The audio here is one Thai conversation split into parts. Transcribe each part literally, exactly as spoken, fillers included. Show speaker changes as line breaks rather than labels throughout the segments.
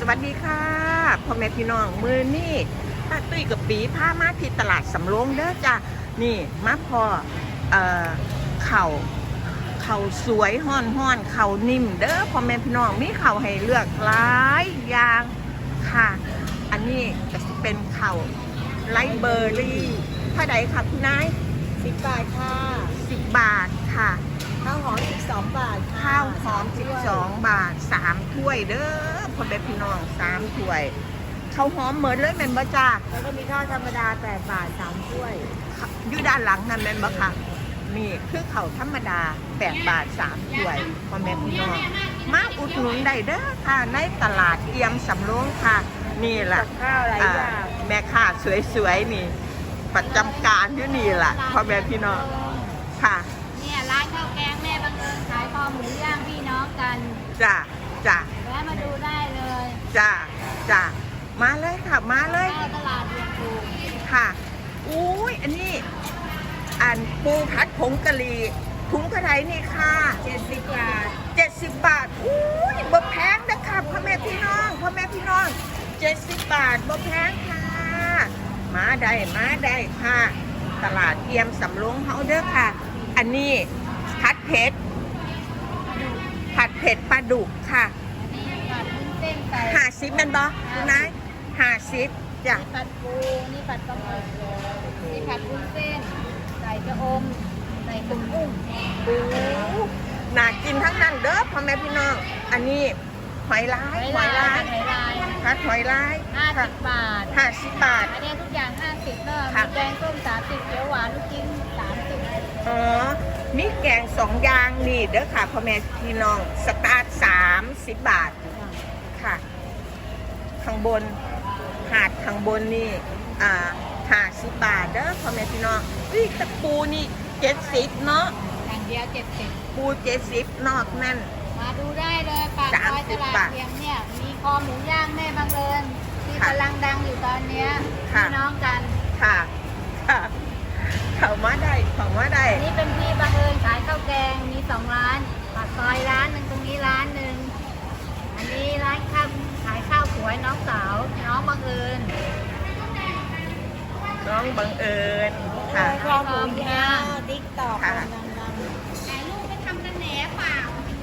วัสดีค่ะพ่อแม่พี่น้องมือนี่ป้าตุ้ยกับปีพามาที่ตลาดสำโรงเด้อจ้ะนี่มาพอเอ่อเข่าเข่าสวยห้อนห้อนเข่านิ่มเด้อพ่อแม่พี่น้องมีเข่าให้เลือกหลายอย่างค่ะอันนี้จะเป็นเข่าไลท์เบอร์รี่เท่าใดค่ะคุณนาย
สิบบาทค่ะ
สิบบาทค่ะ
ข้าวหอมสิบสองบาทค่ะ
ข้าวหอมสิบสองบาทสามถ้วยเด้อพ่อแม่พี่น้องสามถ้วยข้าวหอมเหมือนเลยแม่นบ่จ้า
แล้วก็มีข้าวธรรมดาแปดบาทสามถ้วย
อยู่ด้านหลังนั่นแม่นบ่ค่ะนี่คือข้าวธรรมดาแปดบาทสามถ้วยพ่อแม่พี่น้องมาอุดหนุนได้เด้อค่ะในตลาดเอี่ยมสำโรงค่ะนี่แหละ
ข้าวอะไรอย่าง
แม่ค้าสวยๆนี่ประจำการอยู่นี่แหละพ่อแม่พี่น้องค่ะ
เนี่ยร้านข้าวแกงแม่บังเอิญขายคอหมูย่างพี่น้องกัน
จ้าจ้า
แวะมาดูได้เลย
จ้าจ้ามาเลยค่ะมาเลย
ตลาดเรียนถูก
ค่ะอุ้ยอันนี้อันปูผัดผงกะหรี่ถุงเท่าไหร่นี่ค่ะ
เจ็ดสิบบาท
เจ็ดสิบบาทอุ้ยบ่แพงนะคะพ่อแม่พี่น้องพ่อแม่พี่น้องเจ็ดสิบบาทบ่แพงค่ะมาได้มาได้ค่ะตลาดเอี่ยมสำโรงเฮาเด้อค่ะอันนี้ผัดเผ็ดผัดเผ็ดปลาดุกค่ะ
ผัดวุ้นเส้นไก่
ห้าสิบแม่นบ่คุณนายห้าสิบจ้ะ
ผัดปูนี่ผัดปลาหมึกนี่ผัดวุ้นเส้นใส่กระอมใส่กุ้งกุ้ง
โอ้น่ากินทั้งนั้นเด้อพ่อแม่พี่น้องอันนี้หอยลาย
หอยลายหอยลาย
ผัดหอยลาย
ห้าสิบบาท
ห้าสิบบาท
อันนี้ทุกอย่างห้าสิบเนอะมีแกงส้มสามสิบเขียวหวานลูกชิ้นสามสิบ
อ๋อมีแกงสองอย่างนี่เด้อค่ะพ่อแม่พี่น้องสตาร์ทสามสิบบาทค่ะข้างบนหาดข้างบนนี่อ่าห้าสิบบาทเด้อพ่อแม่พี่น้องอุ้ยตะปูนี่เจ็ดสิบเนาะ
อย่างเดียวเจ็ดสิบ
ปูเจ็ดสิบนอกนั่น
มาดูได้เลยปากซอยตลาดเทียมเนี่ยมีคอหมูย่างแม่บังเอิญที่กำลังดังอยู่ตอนนี้พี่น้องกัน
ค่ะค่ะเขามาได้เขามาได้
นี่เป็นพี่บังเอิญขายข้าวแกงมีสองร้านปากซอยร้านหนึ่งตรงนี้ร้านหนึ่งอันนี้ร้านข้าวขายข้าวสวยน้องสาวน้องบังเอิญ
น้องบังเอิญค่ะ
คอหมูย่างติ๊กตอก
ค่ะ
แต่ลูกไปทำกันแหนเปล่า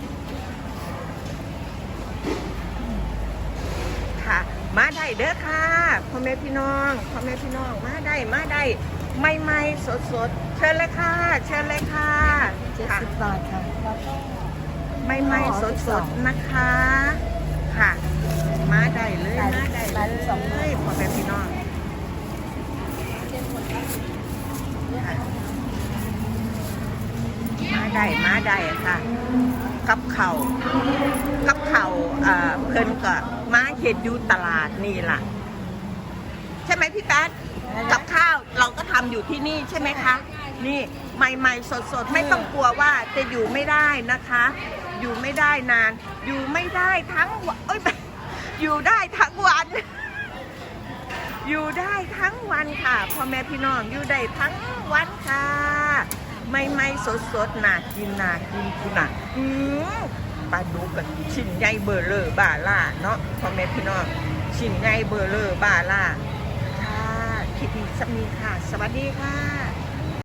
ค่ะมาได้เด้อค่ะพ่อแม่พี่น้องพ่อแม่พี่น้องมาได้มาได้ไม่ไม่สดสดเชิญเลยค่ะเชิญเลยค่ะ
เจ็ดสิบบาทค่ะแล้วก็
ไม่ไม่สดสดนะคะค่ะมาได้เลยมาได้เลยพ่อแม่พี่น้องมาได้มาได้ค่ะกับเข่ากับเข่าเพิ่นก็มาเห็ดอยู่ตลาดนี่ล่ะใช่ไหมพี่แป๊ดกับข้าวเราก็ทำอยู่ที่นี่ใช่ไหมคะนี่ใหม่ๆสดๆไม่ต้องกลัวว่าจะอยู่ไม่ได้นะคะ อยู่ไม่ได้นานอยู่ไม่ได้ทั้งวันเอ้ยอยู่ได้ทั้งวันอยู่ได้ทั้งวันค่ะพ่อแม่พี่น้องอยู่ได้ทั้งวันค่ะไม่ไม่สดสดน่ากินน่ากินคุณน่ะอืมปลาดุกกับชิ้นใหญ่เบอร์เลอร์บาล่าเนาะพ่อแม่พี่น้องชิ้นใหญ่เบอร์เลอร์บาล่าค่ะคิดดีสมีค่ะสวัสดีค่ะ